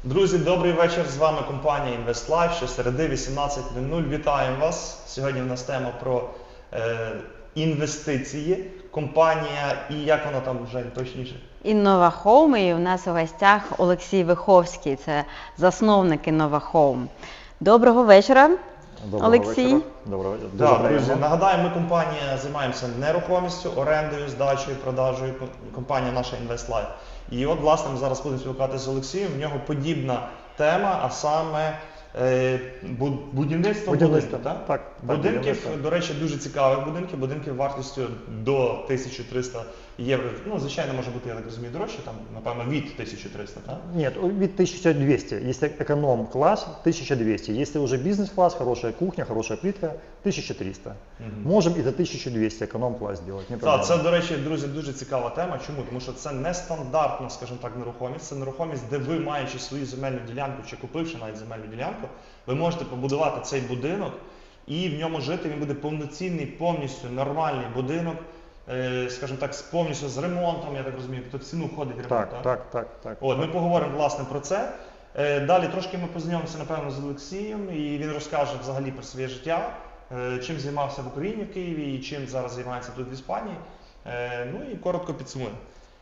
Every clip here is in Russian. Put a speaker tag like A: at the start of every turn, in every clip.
A: Друзі, добрий вечір. З вами компанія InvestLife. Щосереди 18:00. Вітаємо вас. Сьогодні в нас тема про інвестиції. Компанія і як воно там вже точніше?
B: Інновахоум, і у нас у гостях Олексій Виховський, це засновник Інновахоум. Доброго вечора, Олексій.
C: Доброго вечора.
A: Так, друзі, нагадаю, ми компанія займаємося нерухомістю, орендою, здачею, продажею. Компанія наша InvestLife. І от, власне, ми зараз будемо спілкуватися з Олексієм. В нього подібна тема, а саме будівництво будинків.
C: Так,
A: Будинків, до речі, дуже цікавих будинків. Будинків вартістю до 1300 євро. Ну, звичайно, може бути, я так розумію, дорожче, там, напевно, від 1300, так?
C: Нет, від 1200. Если эконом-класс, 1200. Если уже бизнес-класс, хорошая кухня, хорошая плитка, 1300. Можем и за 1200 економ-клас сделать.
A: Так, це, до речі, друзі, дуже цікава тема. Чому? Тому що це нестандартна, скажімо так, нерухомість. Це нерухомість, де ви, маючи свою земельну ділянку чи купивши навіть земельну ділянку, ви можете побудувати цей будинок і в ньому жити. Він буде повноцінний, повністю нормальний будинок, скажімо так, повністю з ремонтом, я так розумію, тобто в ціну входить ремонт,
C: так.
A: От, ми поговоримо, власне, про це. Далі трошки ми познайомимося, напевно, з Олексієм, і він розкаже взагалі про своє життя, чим займався в Україні, в Києві, і чим зараз займається тут в Іспанії. Ну і коротко підсумуємо.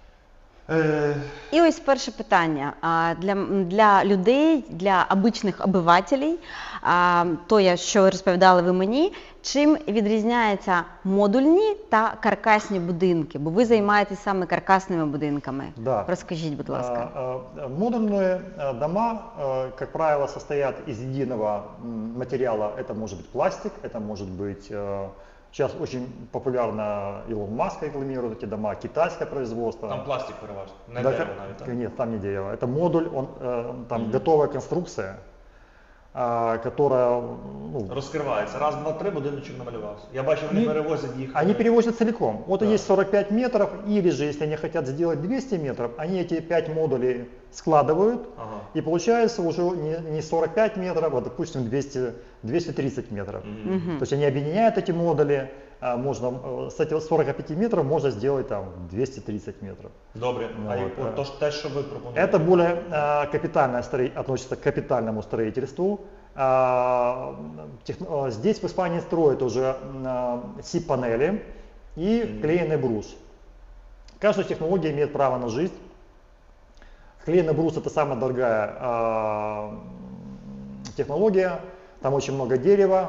B: І ось перше питання. Для людей, для обичних обивателів, то, що ви розповідали ви мені, чим відрізняються модульні та каркасні будинки? Бо ви займаєтесь саме каркасними будинками.
C: Да.
B: Розкажіть, будь ласка.
C: Модульные дома, как правило, состоят из единого материала. Это может быть пластик, это может быть... Сейчас очень популярно Илон Маск рекламирует эти дома, китайское производство.
A: Там пластик переважно, не
C: Да,
A: дерево навіть, так?
C: Нет, там не дерево. Это модуль, там готовая конструкция, которая...
A: Розкривається. Раз, два, три, будиночок намалювався. Я бачу, вони перевозять їх.
C: Они перевозят целиком. Вот есть 45 метров, или же, если они хотят сделать 200 метров, они эти 5 модулей складывают, и получается уже не 45 метров, а, допустим, 230 метров. То есть они объединяют эти модули, можно, с этих 45 метров можно сделать там 230 метров.
A: Добре. То те, що ви пропонуєте?
C: Это более капитальное относится к капитальному строительству. Здесь в Испании строят уже СИП-панели и клееный брус. Каждая технология имеет право на жизнь. Клееный брус — это самая дорогая технология, там очень много дерева,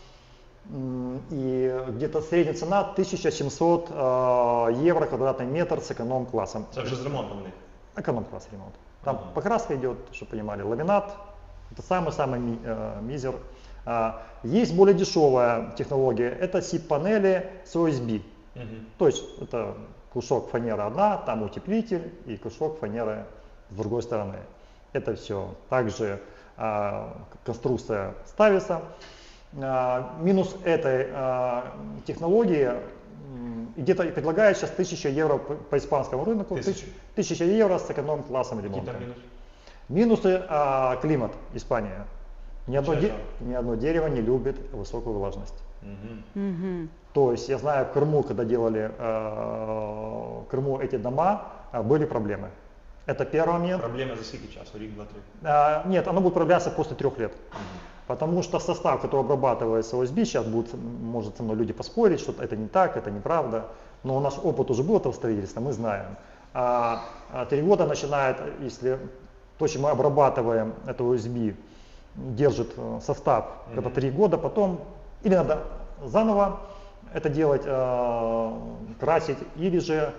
C: и где-то средняя цена 1700 евро квадратный метр с эконом-классом.
A: Это уже с ремонтом у них?
C: Эконом-класс ремонт. Там покраска идет, чтобы понимали, ламинат, это самый-самый мизер. Есть более дешевая технология, это СИП-панели с OSB. То есть это кусок фанеры одна, там утеплитель и кусок фанеры с другой стороны. Это все. Также конструкция ставится. Минус этой технологии где-то предлагают сейчас 1000 евро по испанскому рынку. 1000 евро с эконом-классом ремонта. Минусы климат, Испания. Ни одно дерево не любит высокую влажность. То есть я знаю, в Крыму, когда делали в Крыму эти дома, были проблемы. Это первый момент.
A: Проблемы за сколько часу? Рик, 2-3?
C: Нет, оно будет проявляться после 3 лет. Потому что состав, который обрабатывается OSB, сейчас может со мной люди поспорить, что это не так, это неправда. Но наш опыт уже был этого строительства, мы знаем. 3 года начинает, если то, чем мы обрабатываем, это OSB, держит состав, когда 3 года, потом или надо заново это делать, красить, или же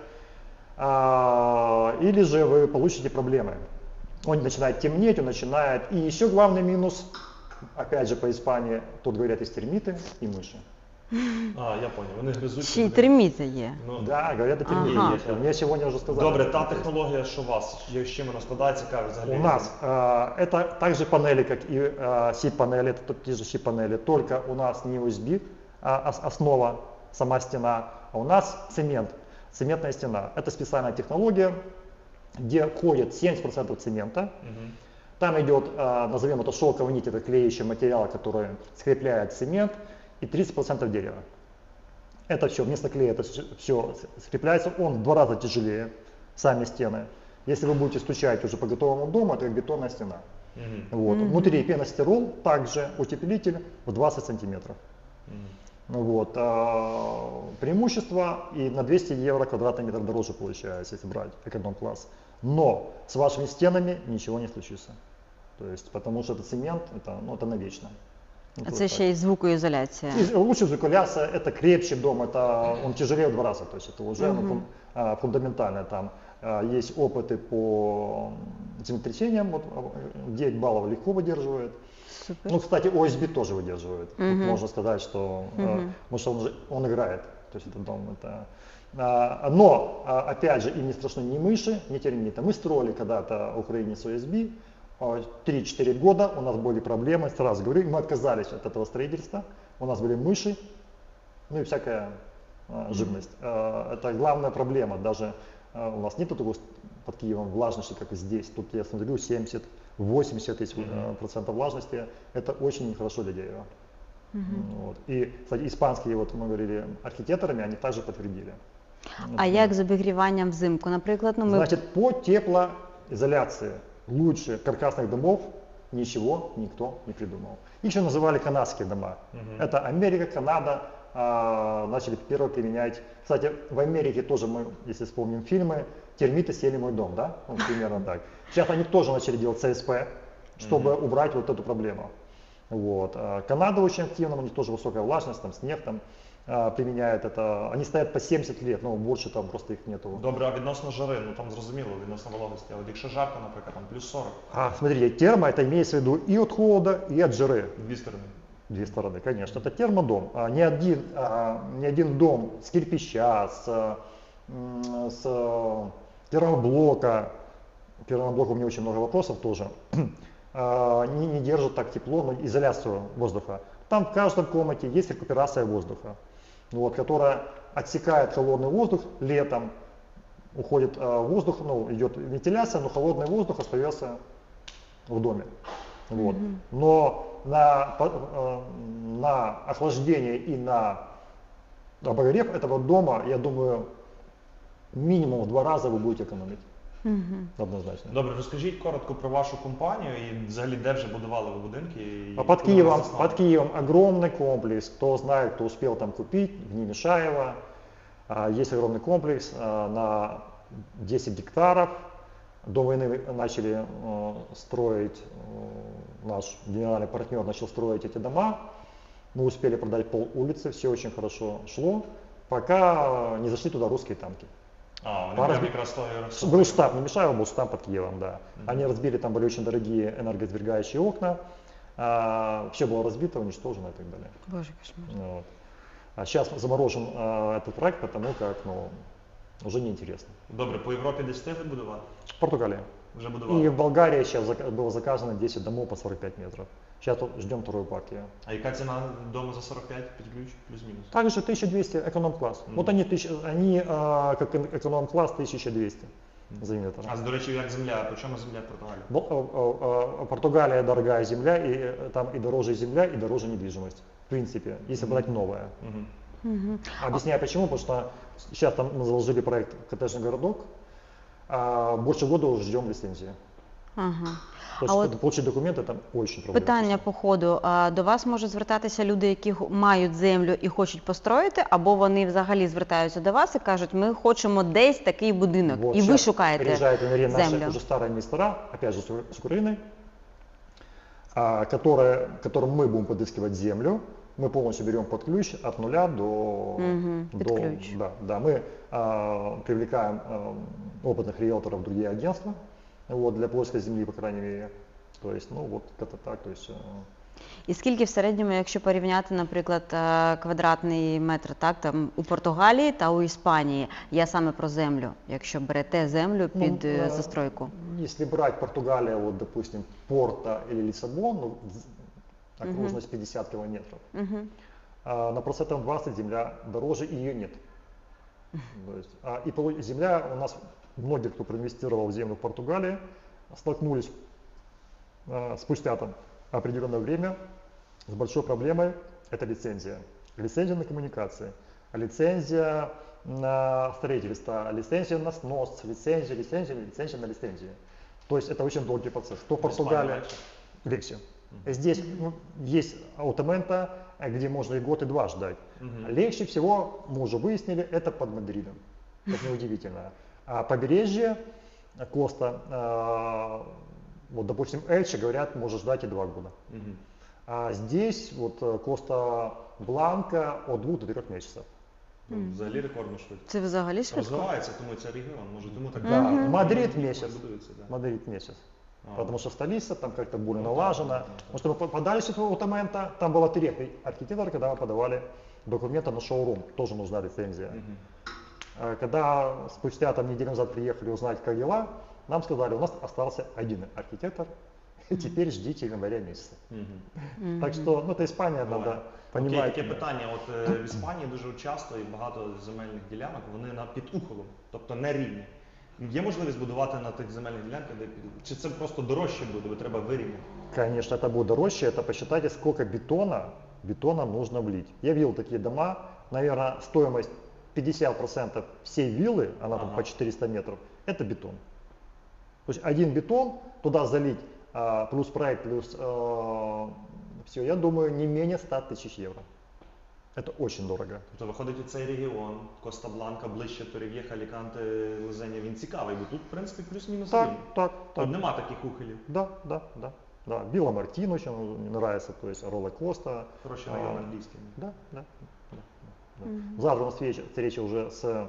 C: вы получите проблемы. Он начинает темнеть, он начинает... И еще главный минус, опять же по Испании, тут говорят, есть термиты и мыши.
A: Я понял, вони гризуть.
B: Ще й терміти є.
C: Да, говорят, это термиты. Мне сегодня уже сказали.
A: Добре, та технологія, що у вас, з чим вона складається, цікаво взагалі?
C: У нас это также панели, как и СИП-панели, это те же СИП-панели, только у нас не USB, основа, сама стена, а у нас цемент, цементная стена. Это специальная технология, где входит 70% цемента. Там идет, назовем это шелковая нить, это клеящий материал, который скрепляет цемент, и 30% дерева. Это все, вместо клея это все скрепляется, он в 2 раза тяжелее, сами стены. Если вы будете стучать уже по готовому дому, это как бетонная стена. Вот.
B: Мгм.
C: Внутри пеностирол, также утеплитель в 20 сантиметров. Вот. Преимущество и на 200 евро квадратный метр дороже получается, если брать эконом-класс. Но с вашими стенами ничего не случится. То есть, потому что это цемент, это навечно. Ну,
B: А
C: то
B: це
C: есть
B: ще й звукоізоляція.
C: так. И лучше звуколяция, это крепче дом, он тяжелее в 2 раза, то есть это уже фундаментально. Там есть опыты по землетрясениям, вот, 9 баллов легко выдерживает.
B: Супер.
C: Ну, кстати, ОСБ тоже выдерживает. Тут
B: Мгм.
C: можно сказать, что
B: Мгм.
C: потому что он играет, то есть этот дом но, опять же, им не страшны ни мыши, ни термиты. Мы строили когда-то в Украине с ОСБ, 3-4 года у нас были проблемы, сразу говорю, мы отказались от этого строительства, у нас были мыши, ну и всякая живность. Это главная проблема, даже у нас нет такого под Киевом влажности, как и здесь, тут я смотрю 70-80 процентов влажности, это очень нехорошо для дерева. Вот. И, кстати, испанские, вот мы говорили, архитекторами, они также подтвердили.
B: А як з обігріванням взимку? Наприклад, ну ми
C: Значит, по теплоизоляции лучше каркасных домов ничего никто не придумал. Их еще называли канадские дома. Это Америка, Канада начали первые применять. Кстати, в Америке тоже мы, если вспомним фильмы, термиты съели мой дом, да? Ну, примерно так. Сейчас они тоже начали делать ЦСП, чтобы убрать вот эту проблему. Вот. Канада очень активна, у них тоже высокая влажность, там снег там применяют это. Они стоят по 70 лет, но больше там просто их нету.
A: Добре, а відносно жари, ну там зрозуміло, відносно вологості, а от якщо жарко, наприклад, там плюс 40,
C: Смотрите, термо это имеется в виду и от холода, и от жары.
A: дві сторони.
C: Две стороны, конечно. Это термодом. Ни один дом с кирпича, с термоблока, к термоблоку у меня очень много вопросов тоже, не держит так тепло, но изоляцию воздуха. Там в каждом комнате есть рекуперация воздуха, вот, которая отсекает холодный воздух летом, уходит воздух, идет вентиляция, но холодный воздух остается в доме. Вот. Но на охлаждение и на обогрев этого дома, я думаю, минимум в 2 раза вы будете экономить. Однозначно.
A: Добре, розкажіть коротко про вашу компанію і взагалі де вже будували ви будинки? І
C: Под
A: коли ви
C: Киевом,
A: заснали?
C: под Киевом огромный комплекс, кто знает, кто успел там купить, в Немешаево. Есть огромный комплекс на 10 гектаров. До войны начали строить, наш генеральный партнер начал строить эти дома. Мы успели продать пол улицы, все очень хорошо шло, пока не зашли туда русские танки.
A: Вони
C: Пара-
A: прям якраз того і розсунули.
C: Был штаб Немешаева, был штаб под Киевом, да. Они разбили, там были очень дорогие энергосберегающие окна, все было разбито, уничтожено и так далее.
B: Боже, кошмар.
C: Вот. А сейчас заморожен этот проект, потому как уже неинтересно.
A: Добре, по Європі десь встигли будувати?
C: Португалия.
A: Вже
C: И
A: будували?
C: в Болгарии сейчас было заказано 10 домов по 45 метров. Сейчас ждем вторую партию.
A: А яка ціна дому за 45 під ключ? Плюс-мінус?
C: Также 1200 эконом-класс. Вот они как эконом-класс 1200 за метр.
A: А до речі, як земля? По чому земля в Португалії?
C: Португалия дорогая земля, и там и дороже земля, и дороже недвижимость. В принципе, если брать новое. Объясняю почему, потому что сейчас там мы заложили проект «Коттеджный городок», больше года уже ждем лицензии.
B: Ага.
C: То
B: А
C: есть получить документы там очень проблемно.
B: Питання по ходу. До вас можуть звертатися люди, які мають землю і хочуть построїти, або вони взагалі звертаються до вас і кажуть, ми хочемо десь такий будинок,
C: Вот
B: і ви
C: сейчас
B: шукаєте
C: приезжают наши
B: землю.
C: уже старые инвестора, опять же с Украины, которым мы будем подыскивать землю. Мы полностью берем под ключ от нуля до...
B: Под ключ.
C: Да, мы привлекаем опытных риэлторов, другие агентства, вот, для поиска земли, по крайней мере. То есть, вот это так, то есть...
B: І скільки в середньому, якщо порівняти, наприклад, квадратний метр, так, там у Португалії та у Іспанії, я саме про землю, якщо берете землю під застройку?
C: Если брать Португалию, вот, допустим, Порто или Лиссабон, окружность 50 километров, на процентов 20 земля дороже, и ее нет. То есть, и земля у нас, многие, кто проинвестировал в землю в Португалии, столкнулись спустя там определенное время с большой проблемой, это лицензия. Лицензия на коммуникации, лицензия на строительство, лицензия на снос, лицензия на лицензию. То есть это очень долгий процесс. То в Португалии легче. Здесь есть аутомента, где можно и год, и два ждать. Легче всего, мы уже выяснили, это под Мадридом. Это неудивительно. А побережье Коста, вот, допустим, Эльче, говорят, может ждать и 2 года. А здесь вот Коста Бланка от 2 до 3 месяцев.
A: Взагалі рекордно швидко.
B: Це взагалі швидко?
A: Розвивається, тому цей регіон, може тому так.
C: Да, Мадрид
A: Мгм.
C: месяц.
A: Будується, да.
C: Мадрид месяц.
A: А.
C: Потому что столица, там как-то более
A: Ну,
C: налажена.
A: да.
C: Потому что мы подали аутомента, там было 3 архитектора, когда мы подавали документы на шоурум, тоже нужна лицензия. Когда спустя там неделю назад приехали узнать, как дела, нам сказали, у нас остался 1 архитектор, и теперь ждите января месяца. Так что, ну это Испания, надо
A: Окей,
C: понимать.
A: таке питання. От в Іспанії дуже часто і багато земельних ділянок, вони під ухолом, тобто не рівні. Є можливість будувати на тих земельних ділянках, чи це просто дорожче буде, бо треба вирівняти?
C: Конечно, это будет дороже, это посчитайте, сколько бетона нужно влить. Я видел такие дома, наверное, стоимость 50% всей виллы, она там по 400 метров, это бетон. То есть 1 бетон, туда залить, плюс проект, плюс все, я думаю, не менее 100 000 евро. Это очень дорого.
A: Тобто виходить у цей регіон, Коста-Бланка, ближче Торрев'єха, Аліканте, Лозеня, він цікавий, бо тут, в принципі, плюс-мінус
C: Так,
A: рівні.
C: так,
A: Тут
C: так.
A: нема таких ухилів.
C: Да. Вилла Мартин очень мне нравится, то есть Ролла Коста.
A: Хороший район англійський.
C: Да. Завтра у нас встреча уже с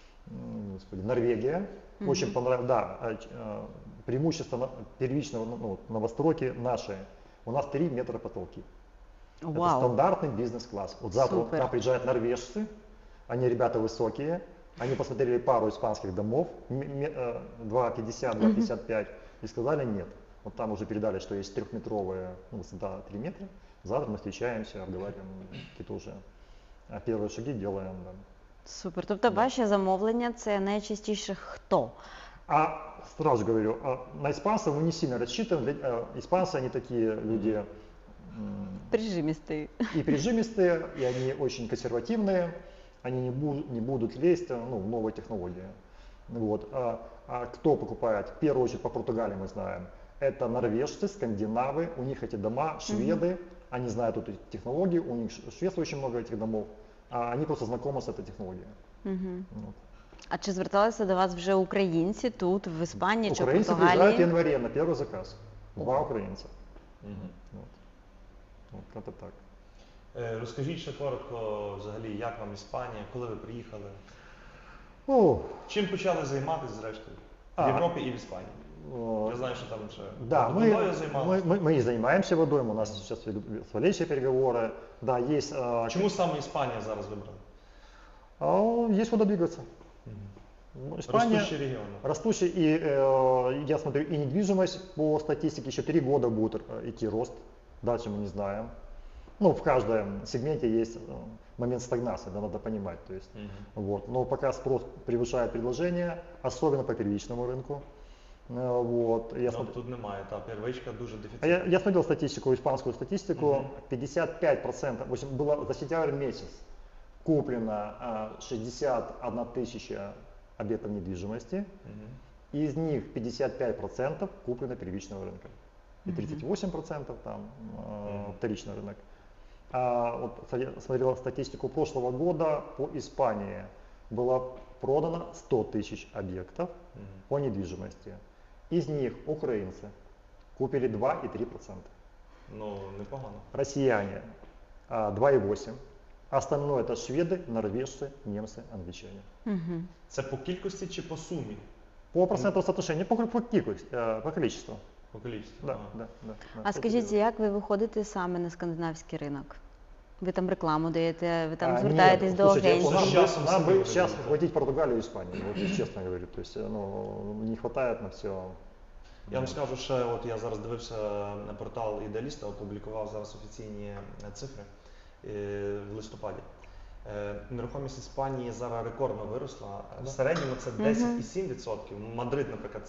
C: Норвегия. Очень понравилось, да, преимущество первичного новостройки наши. У нас 3 метра потолки. Это
B: Вау.
C: стандартный бизнес-класс. Вот завтра
B: Супер.
C: к нам приезжают норвежцы, они ребята высокие, они посмотрели пару испанских домов, 2,50, 2,55, и сказали нет. Вот там уже передали, что есть 3-метровая высота 3 метра. Завтра мы встречаемся, разговариваем, какие-то уже первые шаги делаем. Да.
B: Супер. Тобто ваші замовлення це найчастіше хто?
C: А сразу говорю, на испанцев мы не сильно рассчитываем. Испанцы, они такие люди
B: Прижимістий.
C: и прижимистые, и они очень консервативные, они не будут лезть в новые технологии. Вот. А кто покупает? В первую очередь по Португалии мы знаем. Это норвежцы, скандинавы, у них эти дома, шведы, они знают эту технологию, у них в Швеции очень много этих домов, а они просто знакомы с этой технологией. Вот.
B: А чи зверталися до вас вже українці тут, в Іспанії чи в
C: Украинцы приезжают в
B: Португалії?
C: январе на первый заказ. 2 украинца. Вот это так.
A: Розкажіть ще коротко, взагалі, як вам Іспанія, коли ви приїхали? Чим почали займатися зрештою? В Європі і в Іспанії? Я знаю, що там ще
C: Да,
A: водою займалися.
C: мы и занимаемся водой, у нас сейчас ведут следующие переговоры. Да, есть,
A: Чому саме Іспанія зараз вибрали?
C: есть куда двигаться. Испания
A: Ростущий регіон.
C: растущий, и я смотрю, и недвижимость по статистике еще 3 года будет идти рост, дальше мы не знаем. Ну, в каждом сегменте есть момент стагнации, да, надо понимать. То есть, вот. Но пока спрос превышает предложение, особенно по первичному рынку. Вот.
A: Тут немає, та первичка дуже дефіцитна.
C: Я смотрел статистику, испанскую статистику, 55%, в общем, было за сентябрь месяц куплено 61 тысяча объектов недвижимости, из них 55% куплено первичного рынка и 38% там вторичный рынок. Вот смотрел статистику прошлого года по Испании, было продано 100 тысяч объектов по недвижимости. Из них украинцы купили 2,3%.
A: Ну, непогано.
C: Россияне 2,8%. Остальное это шведы, норвежцы, немцы, англичане.
A: Це по кількості чи по сумі?
C: По проценту соотношения, по количеству.
A: По кількості.
C: Да.
B: А скажіть, як ви виходите саме на скандинавський ринок? Ви там рекламу даєте, ви там звертаєтесь до
C: слушайте,
B: агентів?
C: нам бы сейчас хватить Португалию и Испанию, вот честно говорю. То есть, не хватает на все.
A: Я вам скажу, що от я зараз дивився на портал Ідеаліста, опублікував зараз офіційні цифри в листопаді. Нерухомість Іспанії зараз рекордно виросла. В середньому це 10,7%. Мадрид, наприклад,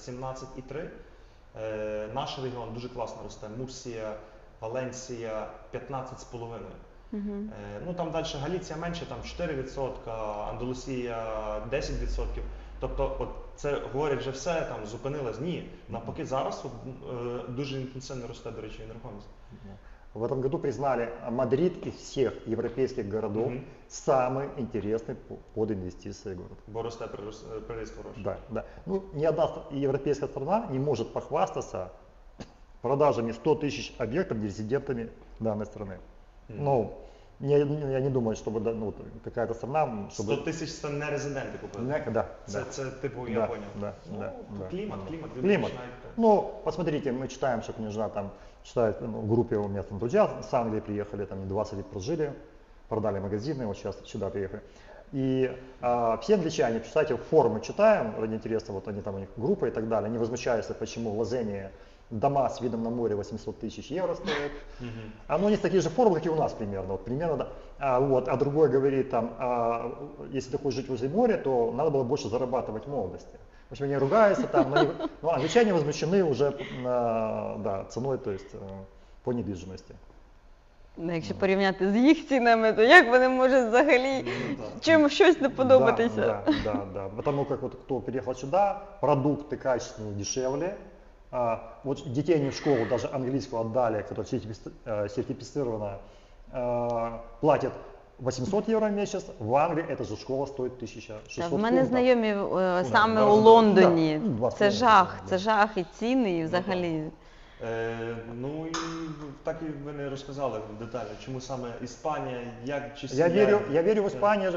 A: 17,3%. Наш регіон дуже класно росте. Мурсія, Валенсія 15,5%. Ну там далі Галіція менше, там 4%, Андалусія 10%. Тобто от це говорять вже все, там зупинилось. Ні, навпаки зараз дуже інтенсивно росте, до речі, нерухомість.
C: В этом году признали Мадрид из всех европейских городов самый интересный под инвестиции город.
A: Бо росте приріст хороший.
C: Да, да. Ну, ни одна европейская страна не может похвастаться продажами 100 тысяч объектов резидентами данной страны. Ну, я не думаю, чтобы ну, какая-то страна... Чтобы...
A: 100 тисяч це не резиденти купили?
C: Да,
A: Це типу, я понял.
C: Да,
A: ну,
C: да, да.
A: Климат.
C: Ну, посмотрите, мы читаем, что княжна там читает, в группе у меня там друзья с Англии приехали, там 20 лет прожили, продали магазины, вот сейчас сюда приехали. И все англичане, читайте, форумы читаем, ради интереса, вот они там, у них группа и так далее, они возмущаются, почему в Лозенне дома с видом на море 800 тысяч евро стоят. Оно не такие же форумы, как и у нас примерно. Вот, примерно да. А другой говорит, там, если ты хочешь жить возле моря, то надо было больше зарабатывать в молодости. В общем, они ругаются там, но англичане возмущены уже да, ценой, то есть по недвижимости.
B: Якщо порівняти з їх цінами, то як вони можуть взагалі чим щось не подобатися?
C: Да. Потому как вот кто переехал сюда, продукты качественные дешевле. Вот детей они в школу даже английскую отдали, которая сертифицирована, платят 800 евро в месяц, в Англии эта же школа стоит 1600
B: В мене
C: фунтов.
B: знайомі саме у Лондоні.
C: Да,
B: Це жах і ціни, і взагалі.
A: Ну і так і ви не розказали детально, чому саме Іспанія, як чи
C: Я верю в Испанию,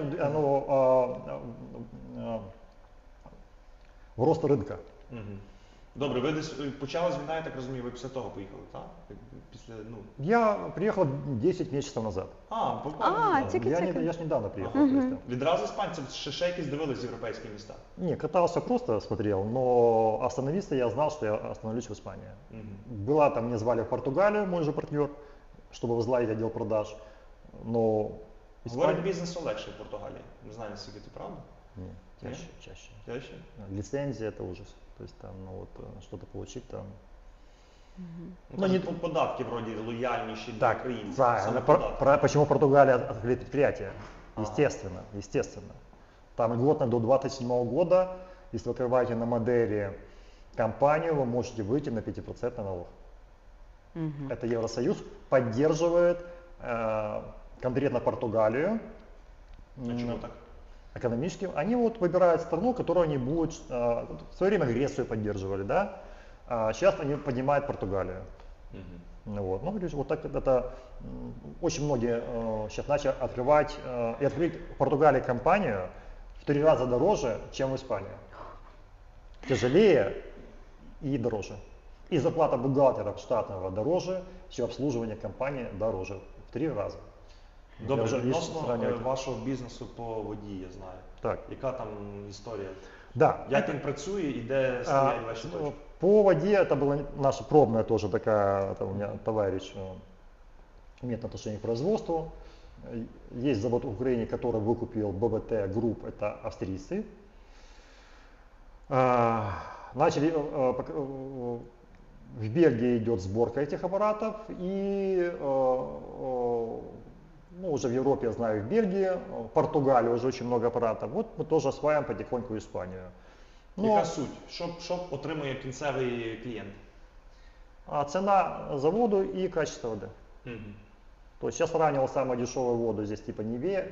C: в рост рынка.
A: Добре, ви десь почалась війна, я так розумію, ви після того поїхали, так? Після, ну...
C: Я приехал 10 месяцев назад.
A: Буквально.
C: Я ж недавно приехал.
A: Відразу іспанці ще якісь дивились європейські міста?
C: Не, катался, просто смотрел, но остановиться я знал, что я остановлюсь в Испании. Была там, меня звали в Португалию, мой же партнер, чтобы возглавить отдел продаж, но...
A: Говорить бізнесу легше в Португалії, не знаю, наскільки це правда?
C: Нет, чаще. Лицензия это ужас. То есть там, ну вот, что-то получить там.
A: Ну, не податки вроде лояльнейшие для украинцев.
C: Правильно. Почему Португалия открыли предприятие? Естественно. Там льготно до 27 года, если вы открываете на Мадейре компанию, вы можете выйти на 5% налог. Это Евросоюз поддерживает конкретно Португалию.
A: Почему так?
C: Экономически. Они вот выбирают страну, которую они будут, в свое время Грецию поддерживали, да? Сейчас они поднимают Португалию. Вот. Ну, вот так это очень многие сейчас начали открывать и открыть в Португалии компанию в 3 раза дороже, чем в Испании. Тяжелее и дороже. И зарплата бухгалтера штатного дороже, все обслуживание компании дороже в 3 раза.
A: Добре, відносно вашого бізнесу по воді, я знаю.
C: Так.
A: Яка там історія?
C: Да.
A: Як він працює і де стоять ваші точки?
C: По воде это была наша пробная тоже такая, это у меня товарищ имеет отношение к производству. Есть завод в Украине, который выкупил БВТ Group, это австрийцы. Начали, в Бельгии идет сборка этих аппаратов, и ну, уже в Европе, я знаю, в Бельгии, в Португалии уже очень много аппаратов. Вот мы тоже осваиваем потихоньку Испанию.
A: Яка суть? Що отримує кінцевий клієнт?
C: Цена за воду и качество воды. То есть я сравнивал самую дешевую воду, здесь типа Неве,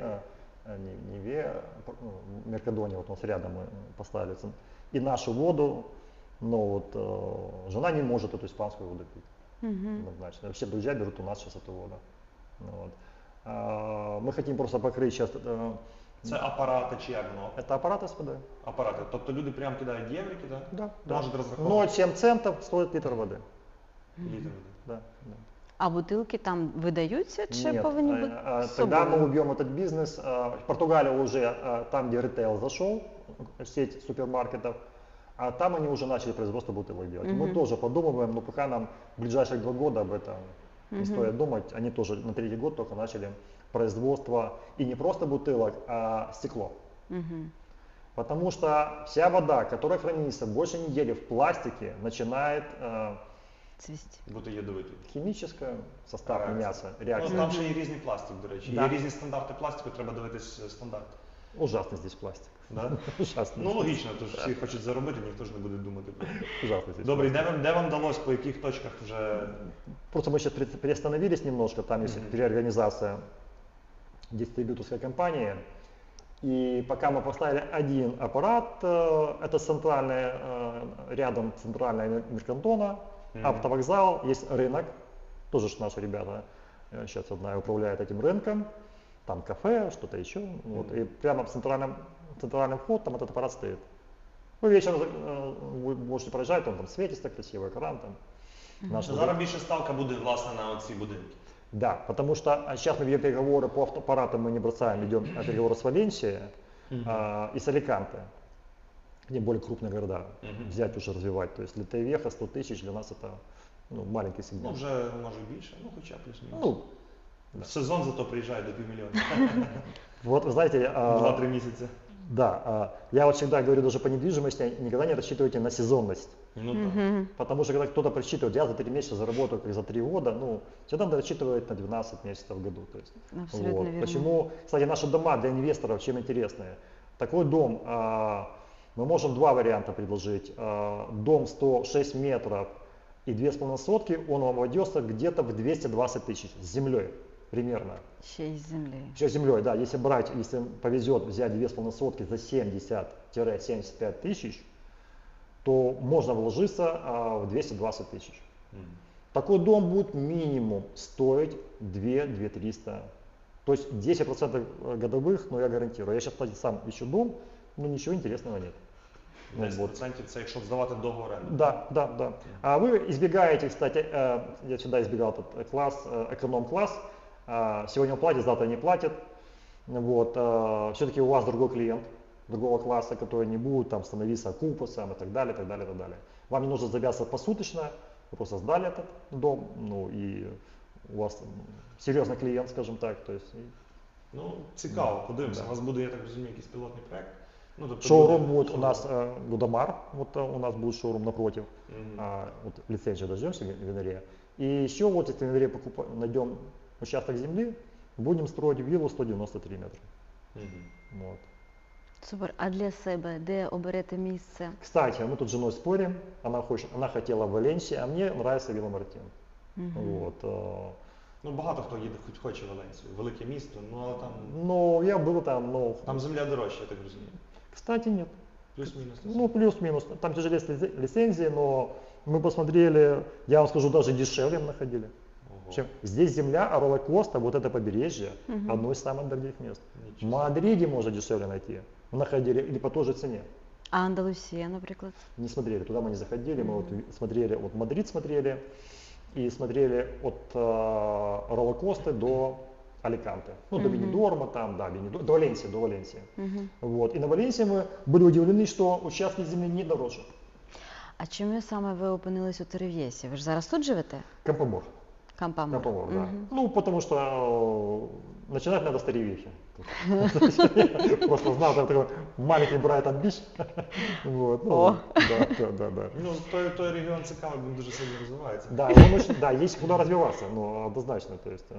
C: Меркадония, вот у нас рядом мы поставили, и нашу воду, но вот жена не может эту испанскую воду пить. Однозначно. Вообще друзья берут у нас сейчас эту воду. Вот. Мы хотим просто покрыть сейчас...
A: Це апарати чи як воно?
C: Это аппараты с водой.
A: Апарати. Тобто люди прямо кидають єврики, так?
C: Да.
A: Можуть розраховувати?
C: 0,7 центов стоит литр воды.
A: Літр води.
C: Да.
B: А бутилки там видаються чи
C: Нет,
B: повинні бути з
C: тогда мы
B: собою?
C: убьем этот бизнес. Португалия уже там, где ритейл зашел, сеть супермаркетов, а там они уже начали производство бутылок делать. Мы тоже подумываем, но пока нам в ближайшие 2 года об этом не стоит думать. Они тоже на 3-й год только начали производство и не просто бутылок, а стекло. Потому что вся вода, которая хранится больше недели в пластике, начинает
B: цвісті?
A: бути ядовитою.
C: Химическая, состав
A: Реакция.
C: меняется,
A: Ну,
C: реакция.
A: там ще є різний пластик, до речі.
C: Да.
A: Є різні стандарти пластику, треба дивитись стандарт.
C: Ужасный здесь пластик.
A: Да?
C: Ужасный.
A: Ну логічно, тож всі хочуть заробити, ніхто ж не буде думати про це.
C: Ужасный здесь
A: Добре,
C: пластик.
A: де вам вдалося, по яких точках вже.
C: Просто мы сейчас приостановились немножко, там есть переорганизация дистрибьюторской компании. И пока мы поставили один аппарат, это центральный, рядом центральная Меркантона, автовокзал, есть рынок, тоже ж наши ребята, сейчас одна управляет этим рынком, там кафе, что-то еще, вот, и прямо в центральном вход там этот аппарат стоит. Вы вечером вы можете проезжать, он там светится красиво, экран там. Наш
A: Зараз більше ставка буде, власне, на оці будинки.
C: Да, потому что сейчас мы ведем переговоры по автоаппаратам, мы не бросаем, ведем переговоры с Валенсией и с Аликанте, где более крупные города, взять уже развивать. То есть для Тайвеха 100 тысяч для нас это маленький
A: Ну,
C: сегмент.
A: вже може більше, ну хоча плюс-мінус.
C: Ну,
A: В сезон зато приїжджає до півмільйона.
C: вот вы знаете,
A: 2-3 місяці.
C: да, я вот всегда говорю даже по недвижимости, никогда не рассчитывайте на сезонность.
A: Ну так.
C: Потому что когда кто-то просчитывает, я за 3 месяца заработаю как за 3 года, ну, всегда надо рассчитывать на 12 месяцев в году. То есть,
B: Абсолютно
C: вот.
B: верно.
C: Почему, кстати, наши дома для инвесторов чем интересные? Такой дом, мы можем два варианта предложить. Дом 106 метров и 2,5 сотки, он вам обойдется где-то в 220 тысяч с землей примерно.
B: Ще й з землі.
C: Еще с землей, да, если брать, если повезет взять 2,5 сотки за 70-75 тысяч, то можно вложиться в 220 тысяч. Такой дом будет минимум стоить 2-300. То есть 10% годовых, но я гарантирую. Я сейчас, кстати, сам ищу дом, но ничего интересного нет. Ну,
A: 10%
C: вот.
A: це якщо здавати договор оренди.
C: Да, да, да. А вы избегаете, кстати, я всегда избегал этот класс, эконом-класс. Сегодня он платит, завтра не платит. Вот. Все-таки у вас другой клиент, другого класса, который не будет там становиться окупасом и так далее, так далее, так далее. Вам не нужно завязываться посуточно, вы просто сдали этот дом, ну и у вас серьезный клиент, скажем так. То есть,
A: Ну, цікаво,
C: Да,
A: подивимося.
C: да.
A: У вас буде, я так розумію, якийсь пілотний проект. Ну, тобто
C: шоурум
A: буде-
C: будет у нас Гудамар, вот у нас будет шоурум напротив,
A: Мгм.
C: вот лицензию дождемся винария. И еще вот если винария найдем участок земли, будем строить виллу 193 метра.
A: Мгм.
C: Вот.
B: Супер. А для себе де оберете місце?
C: Кстати, мы тут с женой спорим, она хотела в Валенсии, а мне нравится Вилла Мартин. Вот.
A: Ну, багато хто їде, хоч хоче в Валенсію. Велике місто, ну але там,
C: Но я был там, но...
A: там земля дорожча, я так розумію.
C: Кстати, нет.
A: Плюс-мінус.
C: Ну, плюс-минус. Там тяжелее с лицензией, но мы посмотрели, я вам скажу, даже дешевле мы находили.
A: Ого.
C: Чем здесь земля, а Ролла-Коста, вот это побережье, одно из самых дорогих мест. В
A: Нічого.
C: Мадриде можно дешевле найти. Мы находили, или по той же цене.
B: А Андалусія, наприклад?
C: Не смотрели, туда мы не заходили, мы вот смотрели, вот Мадрид смотрели, и смотрели от Ролла-Косты до Аликанте. Ну, до Бенидорма там, да, до Валенсии, до Валенсии. Вот. И на Валенсии мы были удивлены, что участки земли не дороже.
B: А чому саме ви опинились у Терев'єсі? Ви ж зараз тут живете?
C: Кампомор.
B: Кампамор.
C: Кампомор, да. Ну, потому что начинать надо с Теревихи. Просто знал, там такой маленький Брайтон Бич. Вот, ну,
B: О.
C: да.
A: Ну, той регіон цікавий, він дуже сильно розвивається.
C: Да, он очень, да, есть куда развиваться, но однозначно, то есть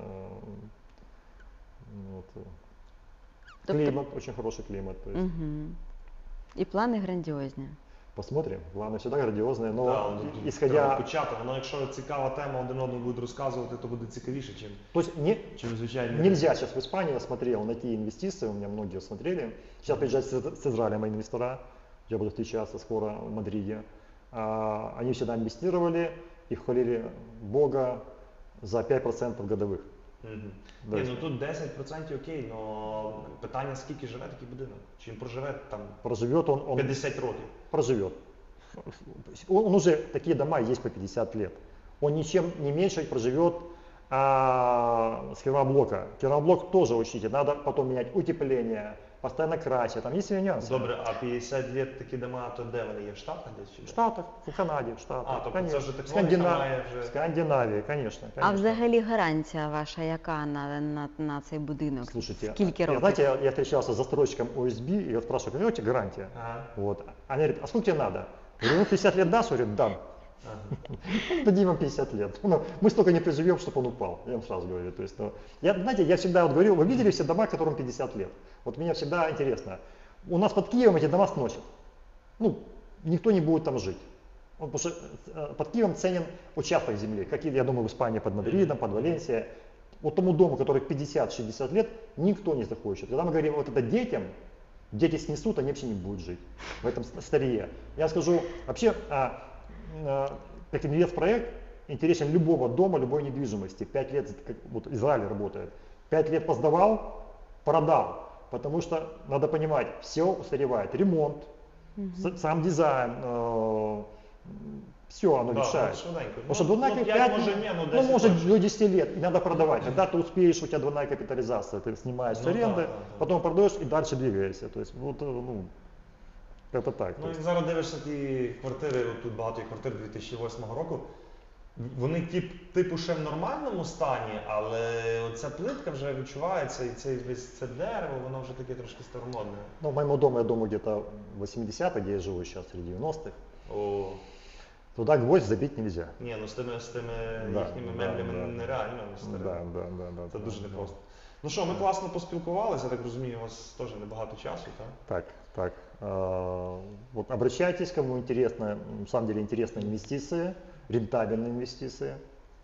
C: вот,
B: Тобто-
C: климат, очень хороший климат, то есть
B: І плани грандіозні.
C: посмотрим, главное всегда грандиозное, но
A: Да, ну, треба
C: исходя,
A: почати. Воно, якщо цікава тема, один одному будуть розказувати, то буде цікавіше,
C: то есть
A: чим звичайно.
C: нельзя сейчас в Испании, я смотрел, найти инвестиции, у меня многие смотрели, сейчас приезжают с Израиля мои инвестора, я буду встречаться скоро в Мадриде, они всегда инвестировали и хвалили Бога за 5% годовых.
A: Мгм.
C: Да.
A: Ні, ну тут 10% окей, але питання, скільки живе такий будинок? Чи він проживе там
C: Проживет он
A: 50 років?
C: проживет. Он уже, такие дома есть по 50 лет. Он ничем не меньше проживет с керамоблока. Керамоблок тоже учите, надо потом менять утепление, постоянно красить, там есть свои нюансы.
A: Добре, а 50 років такі дома, то де вони є? В Штатах десь чи
C: В
A: де?
C: Штатах, в Канаде, в Штатах.
A: А, тобто це
C: конечно.
A: вже технологія має вже-
C: Скандинавия, конечно.
B: А взагалі гарантія ваша яка на цей будинок?
C: Слушайте,
B: Скільки років?
C: знаете, я встречался с застройщиком ОСБ, и я спрашиваю, какая у тебя гарантия?
A: Ага.
C: Вот. Они говорят, а сколько тебе надо? Я говорю, ну 50 лет дашь? Он говорит, дам.
A: Ага.
C: Дадим вам 50 лет. Ну, мы столько не проживем, чтобы он упал, я вам сразу говорю. То есть, ну, знаете, я всегда вот говорил, вы видели все дома, которым 50 лет? Вот мне всегда интересно. У нас под Киевом эти дома сносят. Ну, никто не будет там жить. Вот, потому что под Киевом ценен участок земли, как, я думаю, в Испании под Мадридом, под Валенсией. Вот тому дому, который 50-60 лет, никто не захочет. Когда мы говорим вот это детям, дети снесут, они вообще не будут жить в этом старье. Я скажу, вообще, как инвестпроект интересен любого дома, любой недвижимости. 5 лет, как вот Израиль работает, 5 лет поздавал, продал. Потому что надо понимать, все устаревает. Ремонт, сам дизайн, все оно мешает. Потому что двойная 5, может до 10 лет, и надо продавать. Когда ты успеешь, у тебя двойная капитализация, ты снимаешь с аренды, потом продаешь и дальше двигаешься. То есть, вот, ну, это так.
A: Ну і зараз дивишся ті квартири, тут багато є квартир 2008 року, вони типу ще в нормальному стані, але оця плитка вже відчувається, і це дерево, воно вже таке трошки старомодне.
C: Ну, в моем доме, я думаю, где-то 80-х, где я живу сейчас, среди 90-х.
A: О.
C: Туда гвоздь забить нельзя.
A: Ні, ну з тими їхніми меблями нереально старе. Це дуже непросто. Ну що, ми класно поспілкувалися, я так розумію, у вас теж небагато часу, так?
C: Так. Вот обращайтесь, кому интересно, на самом деле интересные инвестиции, рентабельные инвестиции.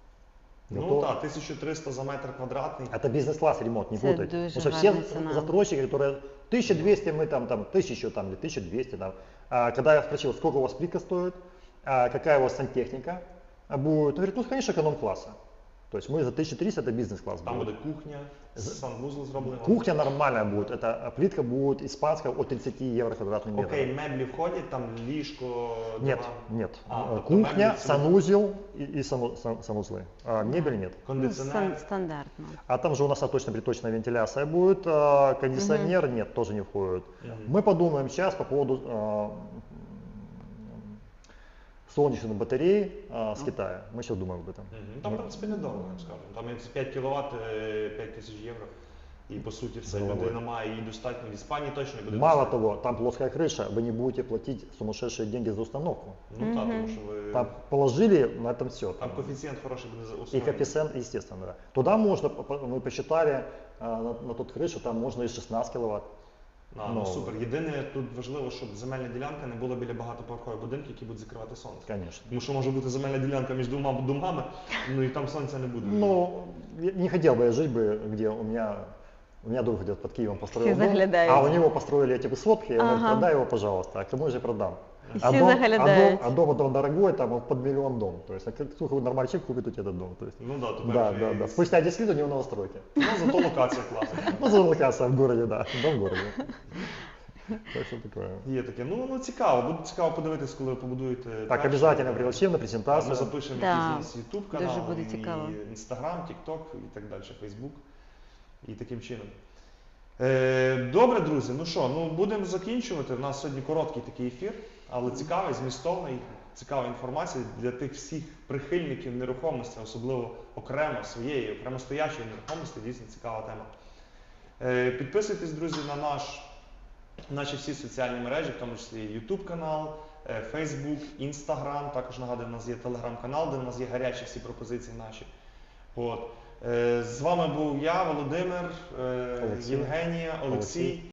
A: Ну так, 1300 за метр квадратний.
C: Это бизнес-класс ремонт, не
B: Это
C: путать.
B: дуже
C: Потому что все
B: гарна ціна.
C: застройщики, которые 1200, мы там 1000 там, или 1200 там. Когда я спросил, сколько у вас плитка стоит, какая у вас сантехника будет, он говорит, ну, конечно, эконом-класса. То есть мы за 1300 это бизнес-класс.
A: Там буде кухня, санвузол зроблено.
C: Кухня нормальная будет, это плитка будет испанская от 30 евро квадратный метр.
A: Окей, меблі входять, там ліжко,
C: Нет,
A: диван?
C: нет.
A: Тобто
C: Кухня,
A: меблі це
C: санузел и санузлы. Мебель нет.
A: кондиціонер.
B: Стандартно.
C: А там же у нас оточно-приточная вентиляция будет, кондиционер нет, тоже не входит. Мы подумаем сейчас по поводу солнечных батарей с Китая. Мы сейчас думаем об этом.
A: Там, в принципі, недорого, я скажу. Там 5 кВт, 5000 євро. І по суті все, людина має її достатньо. В Іспанії точно буде
C: Мало
A: достатньо.
C: того, там плоская крыша, вы не будете платить сумасшедшие деньги за установку.
A: Ну так, тому що ви...
C: Там положили, на этом все.
A: Там коефіцієнт хороший буде за
C: И
A: основу.
C: коэффициент, естественно, да. Туда можно, мы посчитали, на тот крышу там можно и 16 киловатт.
A: Ну супер. Єдине, тут важливо, щоб земельна ділянка не була біля багатоповерхових будинків, які будуть закривати сонце.
C: Конечно.
A: Тому що може бути земельна ділянка між двома домами, ну і там сонця не буде.
C: Ну, не хотел бы я жить бы, где у меня друг где-то под Киевом построил
B: Все
C: дом,
B: заглядают.
C: а у него построили эти высотки, я говорю,
B: Ага.
C: продай его, пожалуйста, а кому же продам?
B: Все заглядают.
C: А дом дорогой, там вот под миллион дом. То есть, а кто нормальный человек купит у тебя этот дом? То есть,
A: Ну да, тепер
C: да. Спустя 10 лет у него новостройки.
A: Ну, зато локація класна.
C: Ну, за локация в городе, да, дом в городе. Так что такое.
A: Є таке. Ну цікаво, буде цікаво подивитись, коли ви побудуєте.
C: Так,
A: перший.
C: обязательно пригласим на
A: Ми
C: презентацию.
A: запишемо
B: Да.
A: якийсь YouTube канал,
B: Дуже буде цікаво.
A: і Instagram, TikTok і так далі, Facebook. І таким чином. Добре, друзі, ну що, будемо закінчувати. У нас сьогодні короткий такий ефір, але цікавий, змістовний, цікава інформація для тих всіх прихильників нерухомості, особливо окремо своєї, окремо стоячої нерухомості, дійсно цікава тема. Підписуйтесь, друзі, на наші всі соціальні мережі, в тому числі YouTube канал, Facebook, Instagram, також нагадую, у нас є Telegram-канал, де у нас є гарячі всі пропозиції наші. От. З вами був я, Володимир,
C: Олексій.
A: Євгенія, Олексій.